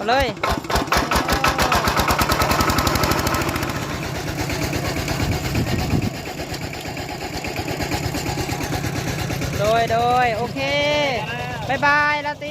เลยโดยโอเคบายบายลาตี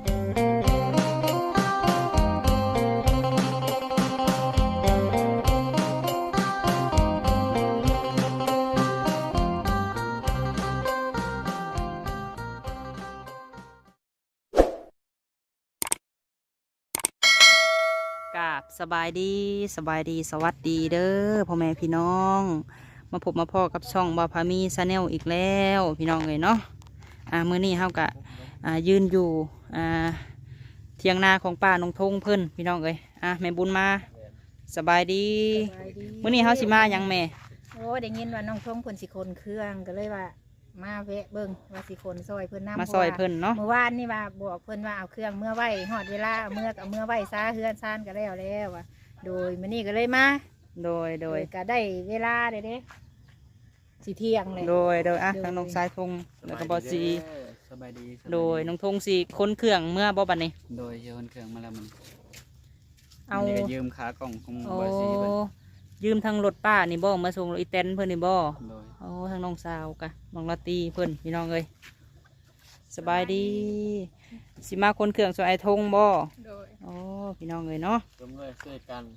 กับสบายดีสวัสดีเด้อพ่อแม่พี่น้องมาพบมาพ่อกับช่องบ่าวพามีชาแนลอีกแล้วพี่น้องเลยเนาะมื้อนี้เฮากะยืนอยู่เทียงนาของป้าน้องทงเพิ่นพี่น้องเลยแม่บุญมาสบายดีมื้อนี้เฮาสิมาหยังแม่โอ้ได้ยินว่าน้องทงเพิ่นสิคนเครื่องก็เลยว่ามาแวะเบิ่งว่าสิคนซอยเพิ่นน้ำมาซอยเพิ่นเนาะเมื่อวานนี่ว่าบอกเพิ่นว่าเอาเครื่องเมื่อไว้ฮอดเวลาเอาเมื่อไว้ซาเฮือนซ่านก็แล้วว่าโดยมื้อนี้ก็เลยมาโดยก็ได้เวลาเด้สิเที่ยงเลยโดยทางน้องสายทงแล้วก็บ่สิสบายดีโดยน้องทงสิคนเครื่องเมื่อบ่บัดนี้โดยคนเครื่องมาแล้วมันเอายืมขากล่องของบ่สิยืมทางรถป้านี่บ่มาส่งรถอีแตนเพิ่นนี่บ่โดยทางน้องสาวกะน้องลาตีเพิ่นพี่น้องเอ้ยสบายดีสิมาคนเครื่องสวยไอทงบ่โดยพี่น้องเอ้ยเนาะรวมด้วยช่วยกัน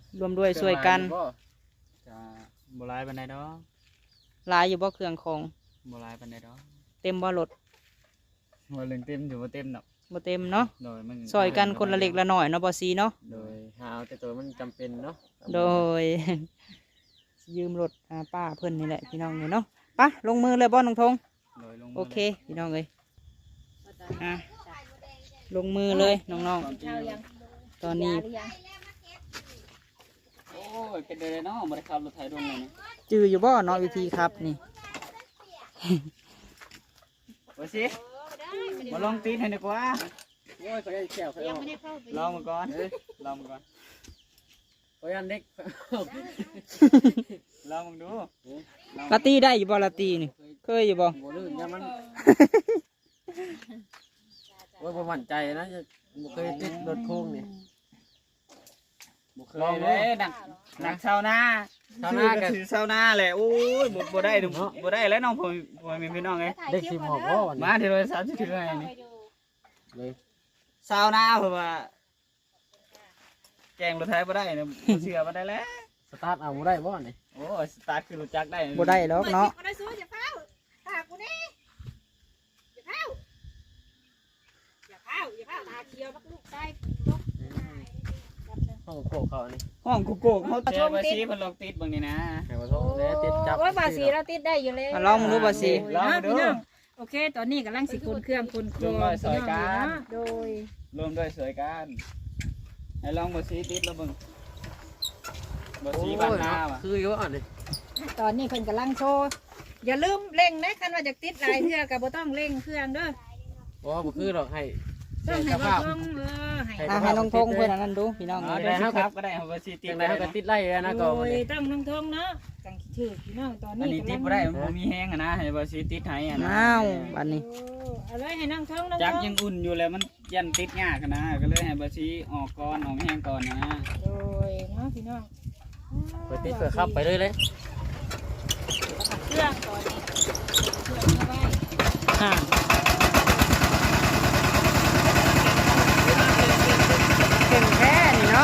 จะบ่หลายปานใดดอกหลายอยู่บ่เครื่องของบ่หลายปานใดดอกเต็มบ่รถบ่เรื่องเต็มอยู่บ่เต็มดอกบ่เต็มเนาะโดยมันซอยกันคนละเล็กละน้อยเนาะบ่ซีเนาะโดยหาเอาแต่ตัวมันจำเป็นเนาะโดยยืมรถป้าเพิ่นนี่แหละพี่น้องเอ้ยเนาะปะลงมือเลยบ่น้องทงโอเคพี่น้องเอ้ยลงมือเลยน้องๆตอนนี้โอ้ยเป็นเลยเนาะบ่ได้ขับรถไถดนเลยนี่จื้ออยู่บ่เนาะวิธีครับนี่บ่สิมาลองตีนให้ดีกว่าโอ้ยเขาได้แก้วเขาลองมาก่อนลองมาก่อนโอ้ยอันเด็กลองมาดูลาตีได้อยู่บ่ลาตีนี่เคยอยู่บ่บ่ลื่นยามันโอ้ยบ่มั่นใจนะบ่เคยติดรถโค้งนี่บ่เคยเลยนักชาวนาก็คือชาวนาแหละโอ้ยบ่ได้บ่ได้แล้วน้องพ่อแม่พี่น้องเอ้ยเด็กสิหมอกบ่มาที่130ถึงไงนี่เลยชาวนาเพิ่นว่าแกงรถไถบ่ได้เนี่ยบ่เชื่อบ่ได้แล้วสตาร์ทเอาบ่ได้บ่นี่โอ้สตาร์ทคือรู้จักได้บ่ได้หรอกเนาะห้องโกกเขานี่ห้องโกกเขาเจอบ่สิเพิ่นลองติดเบิ่งนี่นะให้บ่ทงแล้วติดจับโอ้ยบ่สิเราติดได้อยู่แล้วลองดูบ่สิลองดูโอเคตอนนี้กำลังสิคนเครื่องคนโครงสวยกันโดยรวมด้วยสวยกันให้ลองบ่สิติดแล้วเบิ่งบ่สิบ้านนาว่ะคืออยู่อ่ะนี่ตอนนี้เพิ่นกำลังโชว์อย่าลืมเร่งนะคันว่าจะติดหลายเทื่อก็บ่ต้องเร่งเครื่องเด้อบ่คือหรอกให้ต้องให้บ่ต้องให้น้องทงเพื่อนนั้นดูพี่น้องได้ครับก็ได้บ่สิติดได้ก็ติดไล่นะก็ต้องน้องทงเนาะจังถือพี่น้องตอนนี้อันนี้ติดบ่ได้บ่มีแห้งอ่ะนะให้บ่สิติดให้อ่ะนะอ้าวบัดนี้อะไรให้น้องทงจักยังอุ่นอยู่แล้วมันยันติดยากนะก็เลยให้บ่สิออกก่อนออกแห้งก่อนนะโดยเนาะพี่น้องไปติดเพื่อขับไปเลยเครื่องตอนนี้เครื่องเอาไว้เก่งแค่นี่เนาะ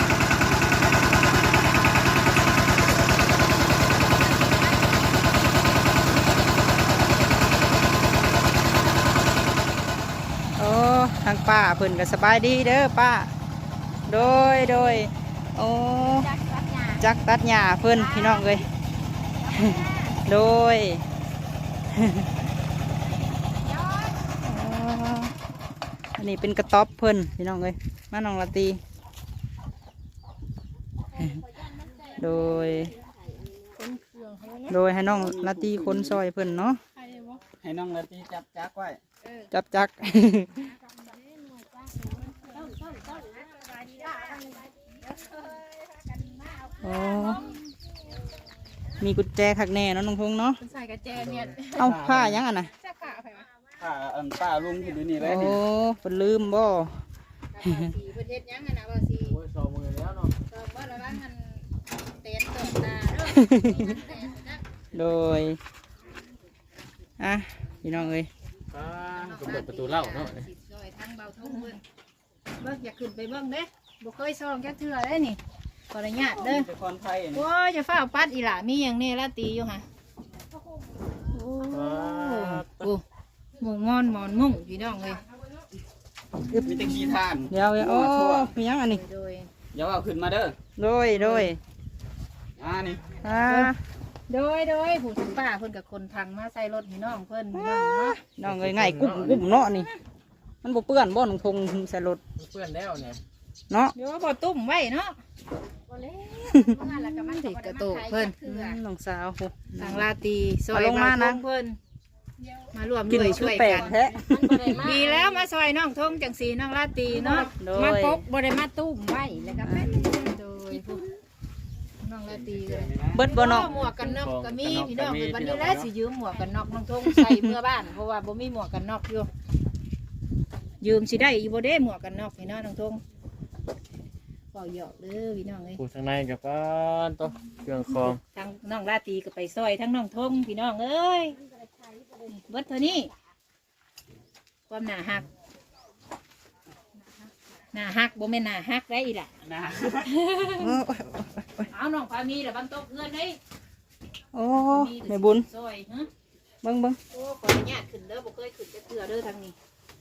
ทางป้าเพิ่นก็สบายดีเด้อป้าโดยจักตัดหญ้าเพิ่นพี่น้องเลยโดยอันนี้เป็นกระต๊อบเพิ่นพี่น้องเลยมาน้องลาตีโดยให้น้องลาตีคนซอยเพิ่นเนาะให้น้องลาตีจับจักไว้จักมีกุญแจขักแน่เนาะน้องพงเนาะใส่กุญแจเนี่ยเอาผ้ายังอ่ะนะผ้าป้าลุงอยู่นี่เลยโอ้เป็นลืมบ่สีเพิ่นเฮ็ดหยังอะนะบ่สีโอ้ย2 มื้อแล้วเนาะตอนบ่ระวังมันเตนตกตาเด้อแตนนะโดยอ่ะพี่น้องเอ้ยก็เปิดประตูเล่าเนาะสิซอยทั้งเบาทุ่งเบิ่งเบิ่งอย่าขึ้นไปเบิ่งเด้บ่เคยซองจักเทื่อได้นี่ขออนุญาตเด้อเป็นคนไทยโอ้ยจะฟ้าวปัดอีหล่ามีหยังแน่ละตีอยู่ห่ะโอ้โหหมูงอนหมอนมุ่งพี่น้องเอ้ยมีแต่ขี้ทานเดี๋ยวโอ้มีหยังอันนี้โดยอย่าเอาขึ้นมาเด้อโดยนี่อ่าโดยผู้ถึงป้าเพิ่นกับคนพังมาใส่รถพี่น้องเพิ่นพี่น้องเนาะน้องเอ้ยง่ายกุ้มเนาะนี่มันบ่เปื้อนบ่น้องทงใส่รถเพื่อนแล้วเนี่ยเนาะเดี๋ยวบ่ตุ้มไว้เนาะบ่แล้วมาแล้วก็มันติดกระโตกเพิ่นน้องสาวโหทางลาตีซอยเอาลงมานะเพิ่นมารวมกินด้วยชุช่ดวยแปลกักนแท้ดีแล้วมาซอยน้องทงจังสีน้องลาตีเนาะโดมาย ปกบ่ได้มาตุ้มไว้แล้วก็แม่นโดยผู้น้องลาตีเลยเบิดบ่น้องหมวกกันน็อกก็มีพี่น้องวันนี้แล้วสิยืมหมวกกันน็อกน้องทงใส่เมื่อบ้านเพราะว่าบ่มีหมวกกันน็อกอยู่ยืมสิได้อีบ่ได้หมวกกันน็อกพี่น้องน้องทงเป่าหยอกเด้อพี่น้องเอ้ยผู้ทางในกับป้านตัวเครื่องคองทั้งน้องลาตีก็ไปซอยทั้งน้องทงพี่น้องเอ้ยเบิดเท่านี้ความหนาหักหนาหักบ่แม่นหนาหักได้อีล่ะนะเอาน้องพามีเดี๋ยวบังโต๊ะเพื่อนเลยโอ้แม่บุญซอยฮะเบิ่งโอ้ขออนุญาตขึ้นเด้อบ่เคยขึ้นจะเถื่อเด้อทางนี้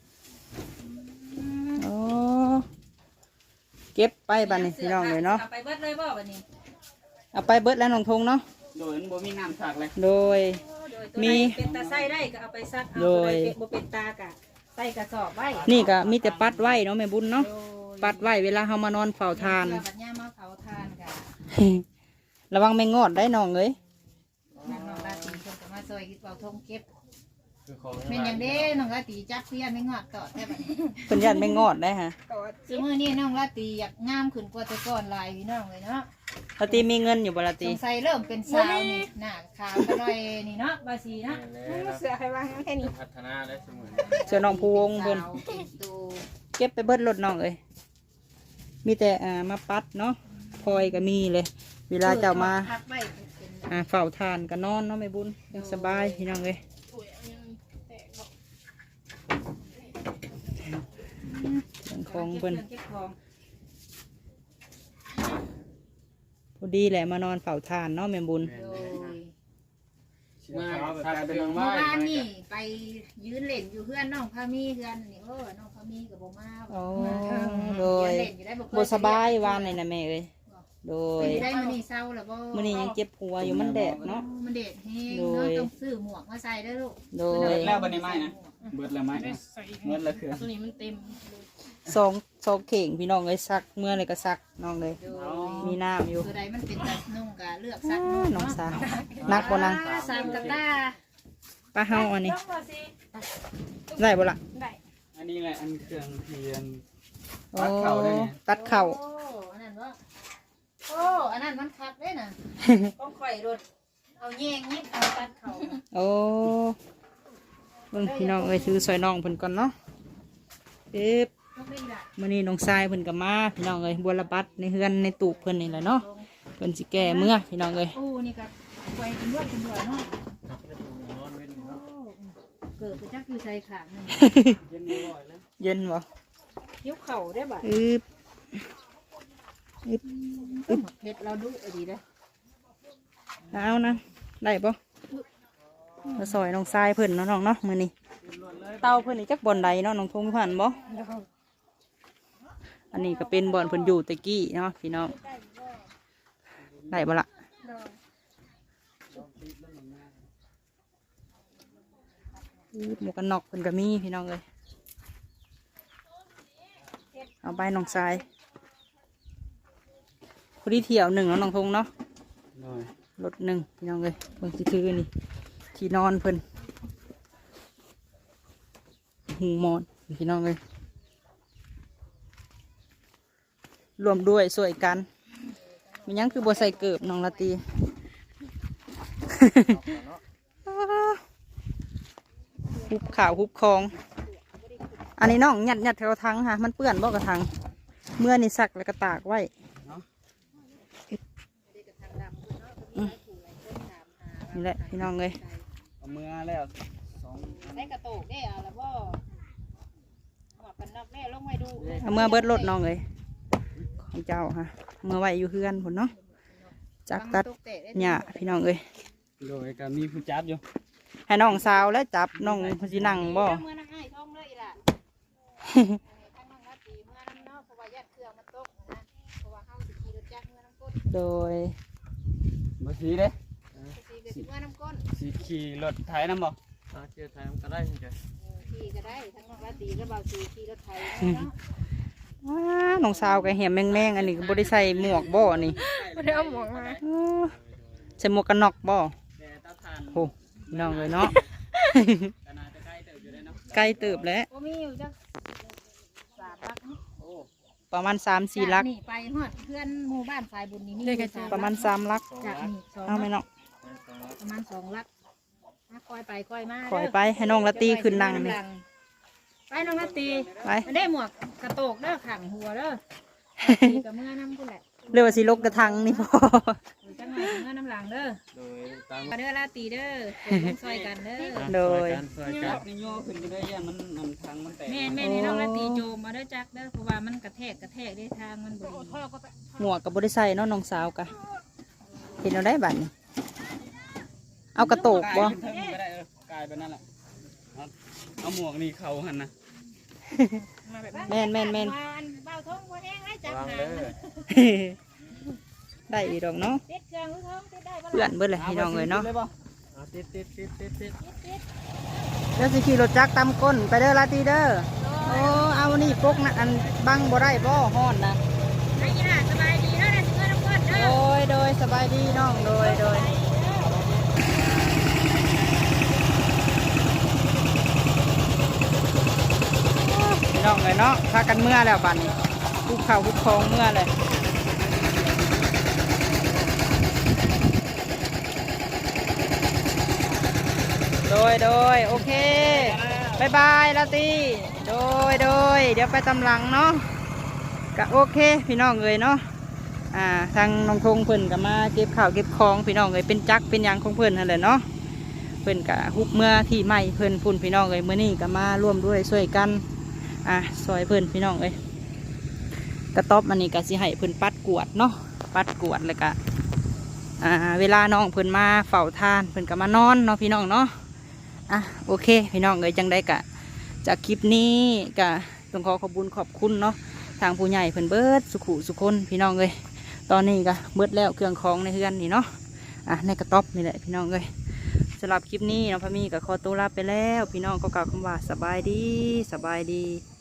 โอ้เก็บไปบัดนี้พี่น้องเลยเนาะเอาไปเบิดเลยบ่บัดนี้เอาไปเบิดแล้วน้องทงเนาะโดยบ่มีน้ำสักเลยโดยโดยตัวมีใดเป็นตาไส้ได้ก็เอาไปซักเอาโดตัวย ใดบ่เป็นตากะใส่กระสอบไว้นี่ก็มีแต่ปัดไว้เนาะแม่บุญเนาะโดยปัดไว้เวลาเฮามานอนเฝ้าทานเพื่อบัดย่ามาเผาทานกะระวังแมงงอดได้น้องเอ้ยนางน้องราตรีเพิ่นก็มาซอยเป่าทงเก็บคือของเป็นอย่างเด้น้องราตรีจับเพี้ยนไม่งอดตอดได้บัดนี้เพิ่นย่านแมงงอดได้ฮะซุมื้อนี้น้องราตรีอยากงามขึ้นกว่าแต่ก่อนหลายพี่น้องเลยเนาะปกติมีเงินอยู่บ่ละสติงสัยเริ่มเป็นสาวนี่หน้าขาวก็หน่อยนี่เนาะบาสีเนาะเสือให้ว่างแค่นี้พัฒนาได้เสมอเสื้อน้องพวงเพิ่นสาวเป็นตูเก็บไปเบิดรถน้องเอ้ยมีแต่มาปัดเนาะพลอยก็มีเลย เวลาเจ้ามาพักไว้เป็นเฝ้าทานก็นอนเนาะแม่บุญยังสบายพี่น้องเอ้ยเรื่องของเพิ่นเก็บของพอดีแหละมานอนเฝ้าทานเนาะแม่บุญโดยมาทานเป็นนางเมื่ไม้อวานนี่ไปยืนเล่นอยู่เพื่อนน้องพามีเพื่อนนี่โอ้น้องพามีกับโบมาโอ้โดโดยเล่นอยู่ได้บ่เคบ่สบายวานนี่นะแม่เอ้ยโดยได้มื้อนี้เศร้าแล้วบ่มื้อนี้ยังเจ็บหัวอยู่มันแดดเนาะมันเด็ดแฮงโดเนาะยต้องซื้อหมวกมาใส่เด้อลูกโดเบิยดแล้วบันนี้ไม้นะเบิดแล้วไม้เบิดแล้วคือตัวนี้มันเต็มสองเข่งพี่น้องเอ้ยซักเมื่อเลยก็ซักน้องเลยโดยมีน้ำอยู่ตัวใดมันเป็นตานุ่งกะเลือกสักน้องสาวนักบ่นางสามกะตาป้าเฮาอันนี้ได้บ่ล่ะอันนี้แหละอันเครื่องเทียนโอ้ตัดเข่าได้ไงตัดเข่าโอ้อันนั้นวะโอ้อันนั้นมันคักได้น่ะต้องข่อยรถเอาแยงนิดเอาตัดเขาโอ้เบิ่งพี่น้องเอ้ยซื้อซอยน้องเพิ่นก่อนเนาะเอ๊บต้องได้ละมื้อนี้น้องชายเพิ่นก็มาพี่น้องเอ้ยบัวระบัดในเฮือนในตูบเพิ่นนี่แหละเนาะเพิ่นสิแก้เมื่อพี่น้องเอ้ยโอ้นี่ก็ไว้เป็นรวดเป็นรวดเนาะเกิดไปจักอยู่ใส่ขางนึงเย็นบ่ยกเข่าได้บ่อึบเฮ็ดเราดูดีเด้อเอานะได้บ่มาซอยน้องชายเพิ่นเนาะน้องเนาะมื้อนี้เตาเพิ่นนี่จักบ่อนใดเนาะน้องทงผ่านบ่อันนี้ก็เป็นบ่อนเพิ่นอยู่ตะกี้เนาะพี่น้องได้บ่ล่ะหมวกกันน็อกเพิ่นก็มีพี่น้องเอ้ยเอาไปน้องชายพอดีเที่ยวหนึ่งเนาะน้องทงเนาะรถหนึ่งพี่น้องเลยเบิ่งสิคือนี่ที่นอนเพิ่นหูหมอนพี่น้องเลยรวมด้วยสวยกันมีหยังคือบัวใส่เกิบน้องละตี ฮุบข่าวฮุบคองอันนี้น้องยัดแถวทังค่ะมันเปื้อนบ่กระทังเมื่อนี่ซักแล้วก็ตากไว้นี่แหละพี่น้องเลยเอามือแล้วสองได้กระโตกได้เอาแล้วบ่หมวกกันน็อกแม่ลงไว้ดูเอาเมื่อเบิดรถน้องเลยของเจ้าค่ะเมื่อไว้อยู่เฮือนผลเนาะจากตัดหญ้าพี่น้องเลยโดยก็มีผู้จับอยู่ให้น้องสาวและจับน้องเพนสินั่งบ่เมื่อนั่งให้ท้องเลยล่ะทั้งน้องรัตตีเมื่อน้ำนอกเพราะว่ายัดเครื่องมันตกนะเพราะว่าเฮาสิขี่รถจักรเมื่อน้ำก้นโดยบ่สีเด้สิก็สิเมื่อน้ำก้นสีขี่รถไถน้ำบ่เกี่ยวไถน้ำก็ได้จ้ะขี่ก็ได้ทั้งน้องรัตตีก็เบาสีขี่รถไถเนาะว้าน้องสาวก็เหี่ยมแมงๆอันนี้ก็บ่ได้ใส่หมวกบ่นี่บ่ได้เอาหมวกมาใส่หมวกกันน็อกบ่แต่ตาทานโหพี่น้องเลยเนาะก็น่าจะใกล้เติบอยู่ได้เนาะไกลเติบแล้วโอ้มีอยู่จัก3ลักโอ้ประมาณ3-4ลักนี่ไปฮอดเพื่อนหมู่บ้านสายบุญนี่มีประมาณ3ลักจากนี่2 เอาไหมเนาะประมาณ2ลักคอยไปคอยมาขอยไปให้น้องละตีขึ้นนั่งนี่ไปน้องรัตตีไปมันได้หมวกกระโตกเด้อขังหัวเด้อตีกับเมื่อน้ำกูแหละเรียกว่าสิลกกระทังนี่พอหรือจังหน่อยเมื่อน้ำหลังเด้อโดยตามมาเด้อลาตีเด้อลงซอยกันเด้อโดยซอยกันนี่โยขึ้นไปได้ยังมันทางมันแตกแม่แม่นี่น้องลาตีโจมมาเด้อจักเด้อเพราะว่ามันกระแทกได้ทางมันบดีหมวกกับบริใส่เนาะน้องสาวกะเห็นเอาได้บัดนี้เอากระโตกบ่กลายเป็นเทิงก็ได้กลายเป็นนั่นแหละเอาหมวกนี่เขาหันนะมาแบบแม่นเบาท้องหัวแห้งให้จับวางหาเด้อได้อีดอกเนาะติดเครื่องหรือท้องติดได้บ่เพื่อนเบิดเลยพี่น้องเลยเนาะติดเดี๋ยวสิขี่รถจักรตามก้นไปเด้อลาตีเด้อโอ้เอานี่ปกนะอันบังบ่ได้บ่ฮ้อนนะไอ้ยี่ห้าสบายดีเนาะได้สิเมื่อน้ำก้นเด้อโดยสบายดีน้องโดยพี่น้องเลยเนาะพากันเมื่อแล้วบัดนี้คุกเข่าคุกคองเมื่อเลยโดยโอเคบายบายลาตีโดยเดี๋ยวไปตำหลังเนาะก็โอเคพี่น้องเลยเนาะทางน้องทงเพิ่นก็มาเก็บข้าวเก็บของพี่น้องเลยเป็นจักเป็นหยังของเพิ่นนั่นแหละเนาะเพิ่นก็ฮุบเมื่อที่ใหม่เพิ่นพุ่นพี่น้องเลยเมื่อนี้ก็มาร่วมด้วยช่วยกันซอยเพิ่นพี่น้องเลยกระต๊อบอันนี้ก็สิให้เพิ่นปัดกวาดเนาะปัดกวาดแล้วก็เวลาน้องเพิ่นมาเฝ้าทานเพิ่นก็มานอนเนาะพี่น้องเนาะโอเคพี่น้องเลยจังได้กะจากคลิปนี้ก็ต้องขอขอบคุณขอบคุณเนาะทางผู้ใหญ่เพิ่นเบิดสุขุสุคนพี่น้องเลยตอนนี้ก็เบิดแล้วเครื่องของในเฮือนนี่เนาะในกระต๊อบนี่แหละพี่น้องเลยสำหรับคลิปนี้น้องพะมีก็ขอตัวลาไปแล้วพี่น้องก็กล่าวคำว่าสบายดี